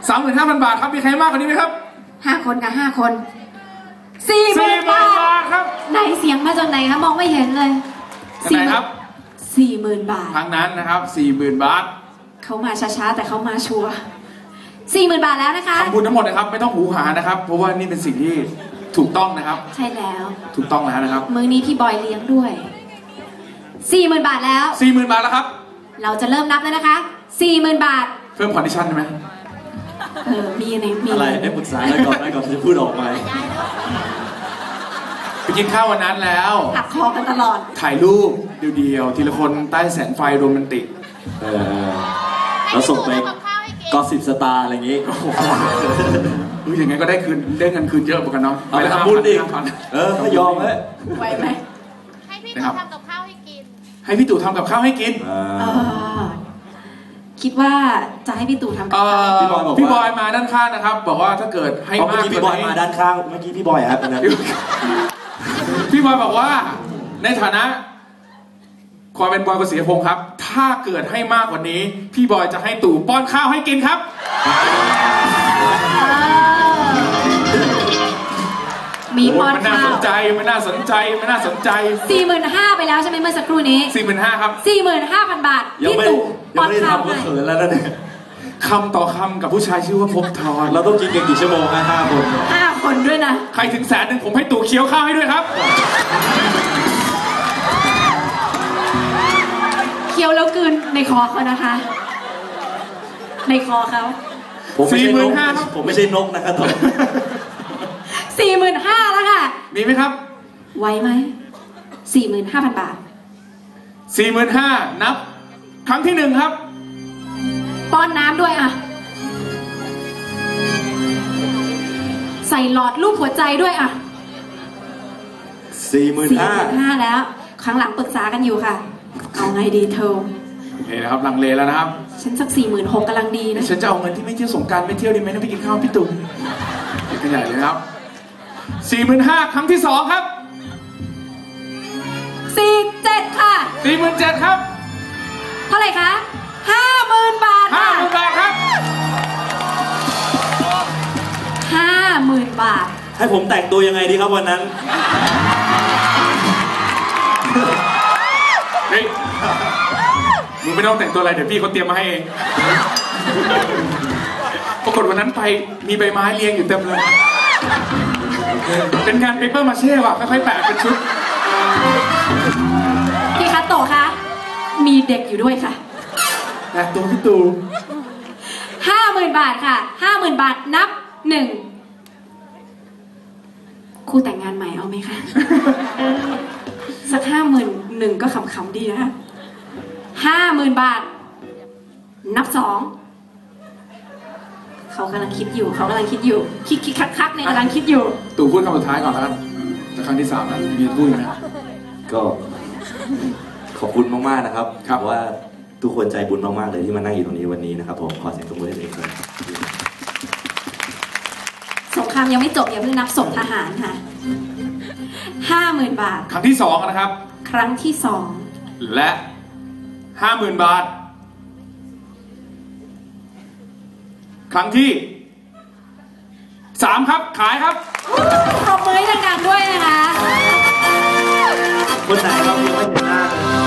35,000 บาทครับมีใครมากกว่านี้ไหมครับ 5 คนกับ5 คน40,000 บาทครับไหนเสียงมาจากไหนครับมองไม่เห็นเลย 40,000ครับ 40,000 บาททางนั้นนะครับ40,000 บาทเขามาช้าๆแต่เขามาชัวร์40,000 บาทแล้วนะคะคำพูดทั้งหมดนะครับไม่ต้องหูหานะครับเพราะว่านี่เป็นสิ่งที่ถูกต้องนะครับใช่แล้วถูกต้องแล้วนะครับมื้อนี้พี่บอยเลี้ยงด้วย40,000 บาทแล้ว 40,000 บาทแล้วครับเราจะเริ่มนับแล้วนะคะ40,000 บาทเพิ่มคอนดิชั่นใช่ไหมมีอะไรได้ปรึกษาได้ก่อนจะพูดออกมาไปกินข้าววันนั้นแล้วหักคอกันตลอดถ่ายรูปเดียวๆทีละคนใต้แสงไฟโรแมนติกแล้วส่งไปก็10 สตาร์อะไรอย่างงี้อย่างไงก็ได้เงินคืนเยอะเหมือนกันเนาะไปทำบุญดิไม่ยอมเลยไหวไหมให้พี่ตู่ทำกับข้าวให้กินให้พี่ตู่ทำกับข้าวให้กินคิดว่าจะให้พี่ตู่ทำกับข้าวพี่บอยมาด้านข้างนะครับบอกว่าถ้าเกิดให้มากพี่บอยมาด้านข้างเมื่อกี้พี่บอยครับพี่บอยบอกว่าในฐานะความเป็นบอยกฤษณพงศ์ครับถ้าเกิดให้มากกว่านี้พี่บอยจะให้ตู่ป้อนข้าวให้กินครับมีป้อนข้าวมันน่าสนใจ 45,000 ไปแล้วใช่ไหมเมื่อสักครู่นี้ 45,000ครับ 45,000 บาทพี่ตู่ป้อนข้าวให้เขินแล้วนะเนี่ยคำต่อคำกับผู้ชายชื่อว่าภพทรเราต้องกินกันกี่ชั่วโมงนะ 5 คนด้วยนะใครถึง100,000ผมให้ตู่เคี้ยวข้าวให้ด้วยครับเคี้ยวแล้วกลืนในคอเขานะคะในคอเขาผมไม่ใช่นกนะครับ 45,000แล้วค่ะมีไหมครับไหวไหม45,000 บาท 45,000นับครั้งที่1ครับป้อนน้ำด้วยอ่ะใส่หลอดรูปหัวใจด้วยอ่ะ 45,000 แล้วครั้งหลังปรึกษากันอยู่ค่ะเอาไงดีเธอโอเคนะครับลังเลแล้วนะครับฉันสัก46,000กำลังดีนะฉันจะเอาเงินที่ไม่เที่ยวสงกรานต์ไม่เที่ยวดีไหมนะไปกินข้าวพี่ตู่กันใหญ่เลยครับ45,000ครั้งที่2ครับ 47,000ค่ะ 47,000ครับเท่าไหร่คะ50,000 บาท 50,000 บาทครับ 50,000 บาทให้ผมแต่งตัวยังไงดีครับวันนั้นเฮ้ยมึงไม่ต้องแต่งตัวอะไรเดี๋ยวพี่เขาเตรียมมาให้เองปรากฏวันนั้นไปมีใบไม้เรียงอยู่เต็มเลยเป็นงานเปเปอร์มาเช่ว่ะค่อยๆแปะเป็นชุดพี่คัตโตะคะมีเด็กอยู่ด้วยค่ะแต่ตัวพี่ตู่ 50,000 บาทค่ะ50,000 บาทนับ1คู่แต่งงานใหม่เอาไหมคะสัก51,000ก็ขำๆดีนะ50,000 บาทนับ2เขากำลังคิดอยู่คิดคักๆในกำลังคิดอยู่ตู่พูดคำสุดท้ายก่อนแล้วกันแต่ครั้งที่3นะมีพูดไหมก็ขอบคุณมากๆนะครับว่าทุกคนใจบุญมากๆเลยที่มานั่งอยู่ตรงนี้วันนี้นะครับผมขอเสียงปรบมือให้ตัวเองด้วยสงครามยังไม่จบอย่าเพิ่งนับศพทหารค่ะ50,000 บาทครั้งที่2นะครับครั้งที่2 และ50,000 บาทครั้งที่3ครับขายครับปรบมือให้ดังๆด้วยนะคะคนไหนเราไม่เห็นหน้า